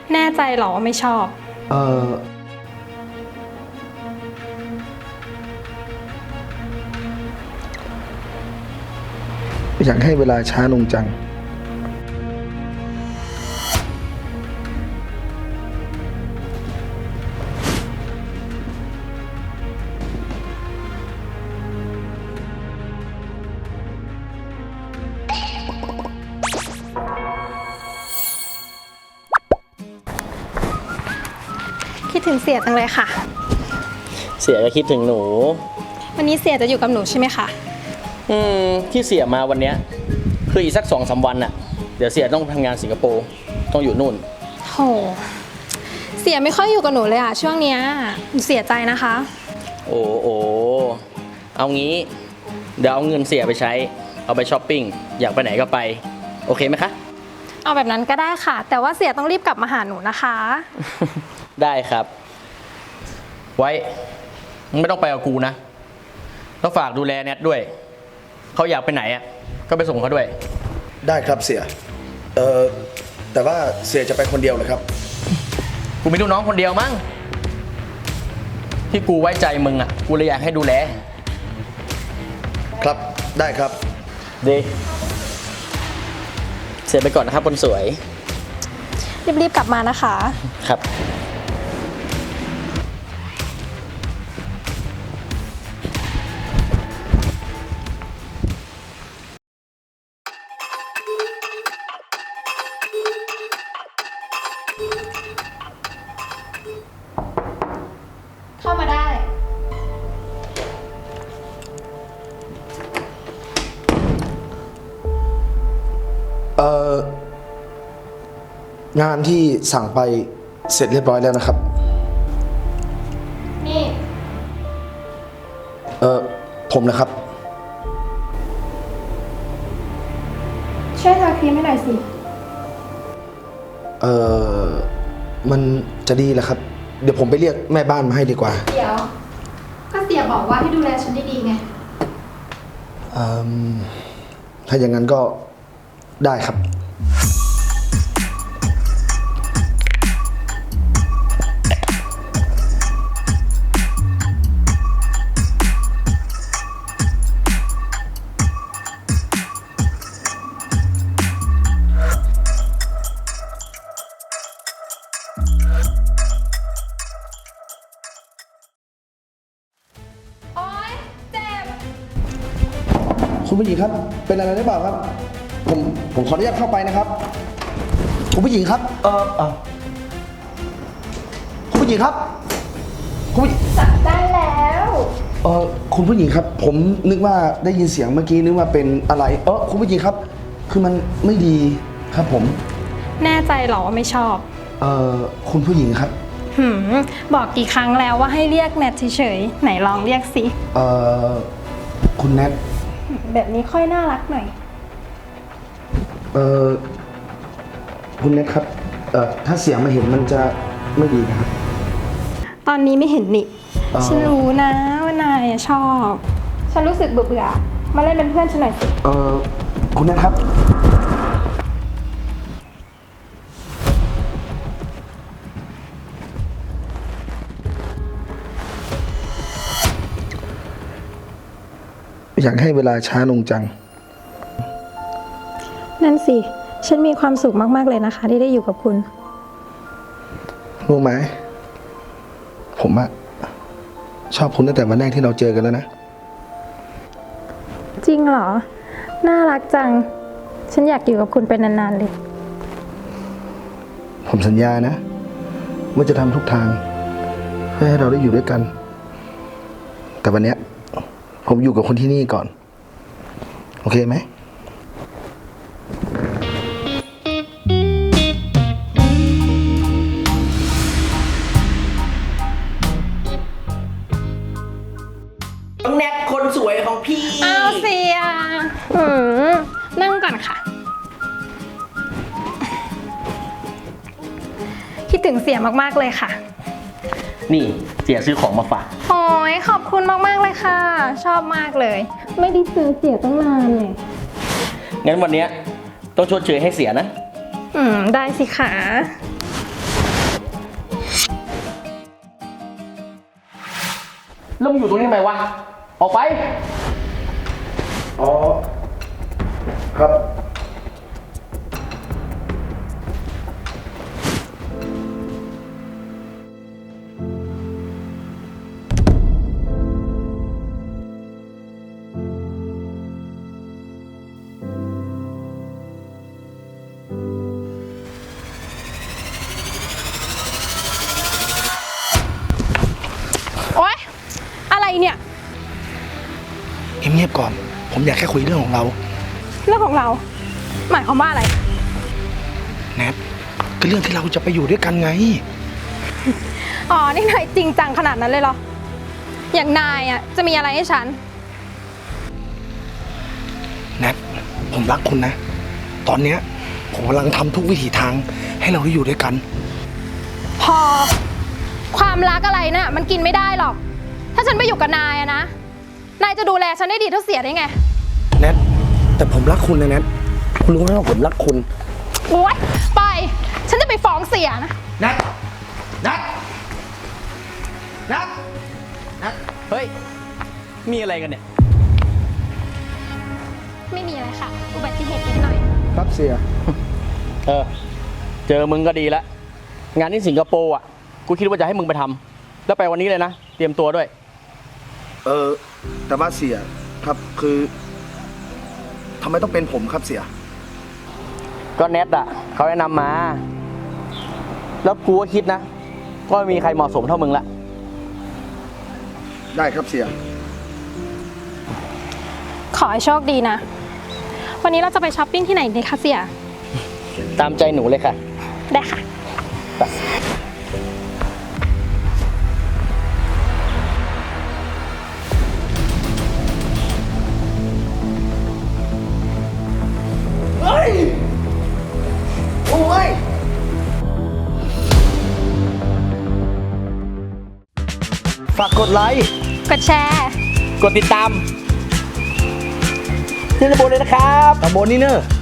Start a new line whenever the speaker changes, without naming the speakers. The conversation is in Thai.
แน่ใจเหรอว่าไม่ชอบ
เอออยากให้เวลาช้าลงจัง
คิดถึงเสียจังเลยค่ะ
เสียก็คิดถึงหนู
วันนี้เสียจะอยู่กับหนูใช่ไหมคะ
ที่เสียมาวันเนี้ยคืออีกสัก2-3 วันน่ะเดี๋ยวเสียต้องทำงานสิงคโปร์ต้องอยู่นู่น
โห เสียไม่ค่อยอยู่กับหนูเลยอะช่วงเนี้ยหนูเสียใจนะคะ
โอ้โอเอางี้เดี๋ยวเอาเงินเสียไปใช้เอาไปช้อปปิ้งอยากไปไหนก็ไปโอเคไหมคะ
เอาแบบนั้นก็ได้ค่ะ แต่ว่าเสียต้องรีบกลับมาหาหนูนะคะ
ได้ครับ ไว้ไม่ต้องไปกับกูนะต้องฝากดูแลแนทด้วยเขาอยากไปไหนอ่ะก็ไปส่งเขาด้วย
ได้ครับเสียแต่ว่าเสียจะไปคนเดียวเลยครับ
กูมีลูกน้องคนเดียวมั้งที่กูไว้ใจมึงอ่ะกูเลยอยากให้ดูแล
ครับได้ครับ
ดีเสียไปก่อนนะครับคนสวย
รีบๆกลับมานะคะ
ครับ
เข้ามาได้
งานที่สั่งไปเสร็จเรียบร้อยแล้วนะครับ
นี่
ผมนะครับ
ช่วยทาครีมให้หน่อยสิ
มันจะดีเหรอครับ เดี๋ยวผมไปเรียกแม่บ้านมาให้ดีกว่า
เดี๋ยว ก็เสียบอกว่าให้ดูแลฉันดีๆไง
ถ้าอย่างนั้นก็ได้ครับ
โอ๊ย เจ็บ
คุณผู้หญิงครับ เป็นอะไรหรือเปล่าครับ ผมขออนุญาตเข้าไปนะครับ คุณผู้หญิงครับ คุณผู้หญิงครับ คุณผู้หญิง
จับได้แล้ว
คุณผู้หญิงครับ ผมนึกว่าได้ยินเสียงเมื่อกี้นึกว่าเป็นอะไร คุณผู้หญิงครับ คือมันไม่ดีครับผม
แน่ใจเหรอว่าไม่ชอบ
คุณผู้หญิงครับ
บอกกี่ครั้งแล้วว่าให้เรียกแนทเฉยๆ ไหนลองเรียกสิ
คุณแนท
แบบนี้ค่อยน่ารักหน่อย
คุณแนทครับ ถ้าเสียงมาเห็นมันจะไม่ดีนะครับ
ตอนนี้ไม่เห็นนี่ ฉันรู้นะว่านายชอบ ฉันรู้สึกเบื่อๆ มาเล่นเป็นเพื่อนฉันหน่อยสิ
คุณแนทครับ อยากให้เวลาช้าลงจัง
นั่นสิ ฉันมีความสุขมากๆเลยนะคะ ที่ได้อยู่กับคุณ
รู้ไหม ผมอะชอบคุณตั้งแต่วันแรกที่เราเจอกันแล้วนะ
จริงเหรอ น่ารักจัง ฉันอยากอยู่กับคุณเป็นนานๆเลย
ผมสัญญานะว่าจะทำทุกทางเพื่อให้เราได้อยู่ด้วยกัน แต่วันเนี้ยผมอยู่กับคนที่นี่ก่อน โอเคไหม
ต้องแนทคนสวยของพี่
อ้าวเสียนั่งก่อนค่ะ คิดถึงเสียมากๆเลยค่ะ
นี่เสียซื้อของมาฝาก
โอ้ยขอบคุณมากๆเลยค่ะ ชอบมากเลย ไม่ได้เจอเสียตั้งนานเลย
งั้นวันเนี้ยต้องชดเชยให้เสียนะ
ได้สิคะ
แล้วมึงอยู่ตรงนี้ทำไมวะ ออกไป
อ๋อ ครับ
โอ๊ย อะไรเนี่ย
เงียบๆก่อน ผมอยากแค่คุยเรื่องของเรา
เรื่องของเรา หมายความว่าอะไร
แนทก็เรื่องที่เราจะไปอยู่ด้วยกันไง
อ๋อ นี่นายจริงจังขนาดนั้นเลยเหรอ อย่างนายอ่ะจะมีอะไรให้ฉัน
แนทผมรักคุณนะ ตอนเนี้ยผมกำลังทำทุกวิถีทางให้เราได้อยู่ด้วยกัน
พอ ความรักอะไรน่ะมันกินไม่ได้หรอก ถ้าฉันไปอยู่กับนายอะนะ นายจะดูแลฉันได้ดีเท่าเสียได้ไง
แนทแต่ผมรักคุณนะแนทคุณรู้ไหมว่าผมรักคุณ
โอ๊ย ไป ฉันจะไปฟ้องเสียนะ
นัดนัดนัดนัดเฮ้ย มีอะไรกันเนี่ย
ไม่มีอะไรค่ะ อุบัติเหตุนิดหน่อย
ครับเสีย
เจอมึงก็ดีละ งานที่สิงคโปร์อ่ะ กูคิดว่าจะให้มึงไปทำ แล้วไปวันนี้เลยนะ เตรียมตัวด้วย
แต่ว่าเสียครับคือทำไมต้องเป็นผมครับเสีย
ก็เน็ตอ่ะ เขาแนะนำมา แล้วกูก็คิดนะว่าไม่มีใครเหมาะสมเท่ามึงละ
ได้ครับเสีย
ขอให้โชคดีนะ วันนี้เราจะไปช้อปปิ้งที่ไหนดีคะเสีย
ตามใจหนูเลยค่ะ
ได้ค่ะ
เฮ้ย โอ้ย ฝากกดไลค์
กดแชร์
กดติดตามที่ระบบเลยนะครับ
ตำบลนี่เนอะ